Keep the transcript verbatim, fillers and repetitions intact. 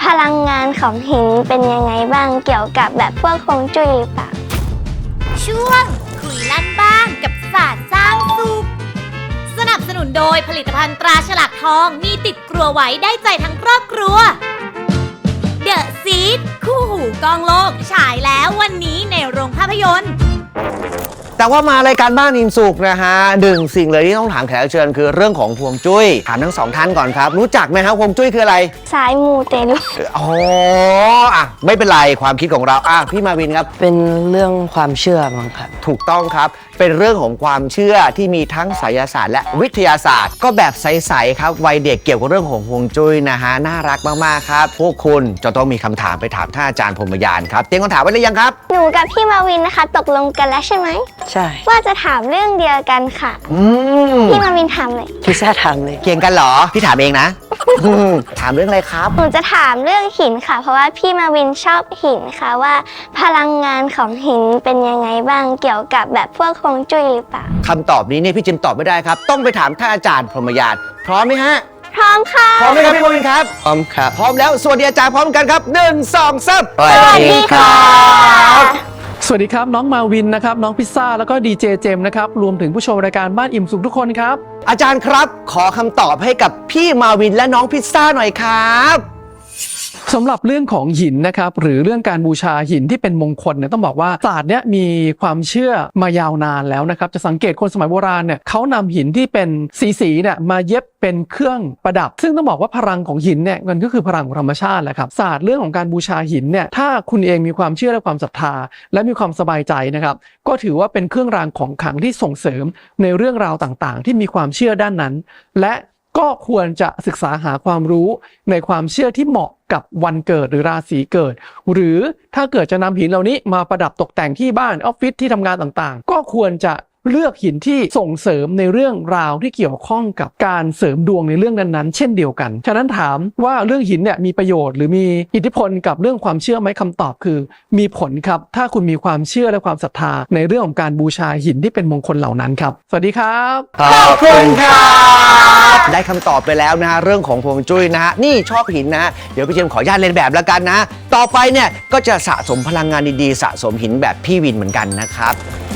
ลังงานของหินเป็นยังไงบ้างเกี่ยวกับแบบพวกฮวงจุ้ยหรือเปล่าช่วงคุยลั่นบ้างกับศาสตร์สร้างสุขสนับสนุนโดยผลิตภัณฑ์ตราฉลากทองมีติดครัวไว้ได้ใจทั้งครอบครัวเดอะซีดคู่หูกองโลกฉายแล้ววันนี้ในโรงภาพยนตร์แต่ว่ามารายการบ้านอิ่มสุขนะฮะหนึ่งสิ่งเลยที่ต้องถามแขกรับเชิญคือเรื่องของฮวงจุ้ยถามทั้งสองท่านก่อนครับรู้จักไหมครับฮวงจุ้ยคืออะไรสายมูเตลูอ๋ออ่ะไม่เป็นไรความคิดของเราอ่ะพี่มาวินครับเป็นเรื่องความเชื่อมั้งครับถูกต้องครับเป็นเรื่องของความเชื่อที่มีทั้งไสยศาสตร์และวิทยาศาสตร์ก็แบบใสๆครับวัยเด็กเกี่ยวกับเรื่องของฮวงจุ้ยนะฮะน่ารักมากๆครับพวกคุณจะต้องมีคำถามไปถามท่านอาจารย์พรหมยานครับเตรียมคำถามไว้หรือยังครับหนูกับพี่มาวินนะคะตกลงกันแล้วใช่ไหมใช่ว่าจะถามเรื่องเดียวกันค่ะพี่มาวินถามเลยพี่แซ่ถามเลยเก่งกันเหรอพี่ถามเองนะ ถามเรื่องอะไรครับหนูจะถามเรื่องหินค่ะเพราะว่าพี่มาวินชอบหินค่ะว่าพลังงานของหินเป็นยังไงบ้างเกี่ยวกับแบบพวกฮวงจุ้ยหรือเปล่าคำตอบนี้เนี่ยพี่จิมตอบไม่ได้ครับต้องไปถามท่านอาจารย์พรหมยานพร้อมไหมฮะพร้อมค่ะพร้อมไหมครับพี่มาวินครับพร้อมครับพร้อมแล้วสวัสดีอาจารย์พร้อมกันครับหนึ่งสองสามสวัสดีครับสวัสดีครับน้องมาวินนะครับน้องพิซซ่าแล้วก็ดีเจเจมนะครับรวมถึงผู้ชมรายการบ้านอิ่มสุขทุกคนครับอาจารย์ครับขอคำตอบให้กับพี่มาวินและน้องพิซซ่าหน่อยครับสำหรับเรื่องของหินนะครับหรือเรื่องการบูชาหินที่เป็นมงคลเนี่ยต้องบอกว่าศาสตร์เนี้ยมีความเชื่อมายาวนานแล้วนะครับจะสังเกตคนสมัยโบราณเนี่ยเขานำหินที่เป็นสีๆเนี่ยมาเย็บเป็นเครื่องประดับซึ่งต้องบอกว่าพลังของหินเนี่ยมันก็คือพลังของธรรมชาติแหละครับศาสตร์เรื่องของการบูชาหินเนี่ยถ้าคุณเองมีความเชื่อและความศรัทธาและมีความสบายใจนะครับก็ถือว่าเป็นเครื่องรางของขลังที่ส่งเสริมในเรื่องราวต่างๆที่มีความเชื่อด้านนั้นและก็ควรจะศึกษาหาความรู้ในความเชื่อที่เหมาะกับวันเกิดหรือราศีเกิดหรือถ้าเกิดจะนำหินเหล่านี้มาประดับตกแต่งที่บ้านออฟฟิศที่ทำงานต่างๆก็ควรจะเลือกหินที่ส่งเสริมในเรื่องราวที่เกี่ยวข้องกับการเสริมดวงในเรื่องนั้นๆเช่นเดียวกันฉะนั้นถามว่าเรื่องหินเนี่ยมีประโยชน์หรือมีอิทธิพลกับเรื่องความเชื่อไหมคำตอบคือมีผลครับถ้าคุณมีความเชื่อและความศรัทธาในเรื่องของการบูชาหินที่เป็นมงคลเหล่านั้นครับสวัสดีครับขอบคุณครับได้คำตอบไปแล้วนะฮะเรื่องของฮวงจุ้ยนะฮะนี่ชอบหินนะฮะเดี๋ยวพี่เจมขออนุญาตเรียนแบบแล้วกันนะต่อไปเนี่ยก็จะสะสมพลังงานดีๆสะสมหินแบบพี่วินเหมือนกันนะครับ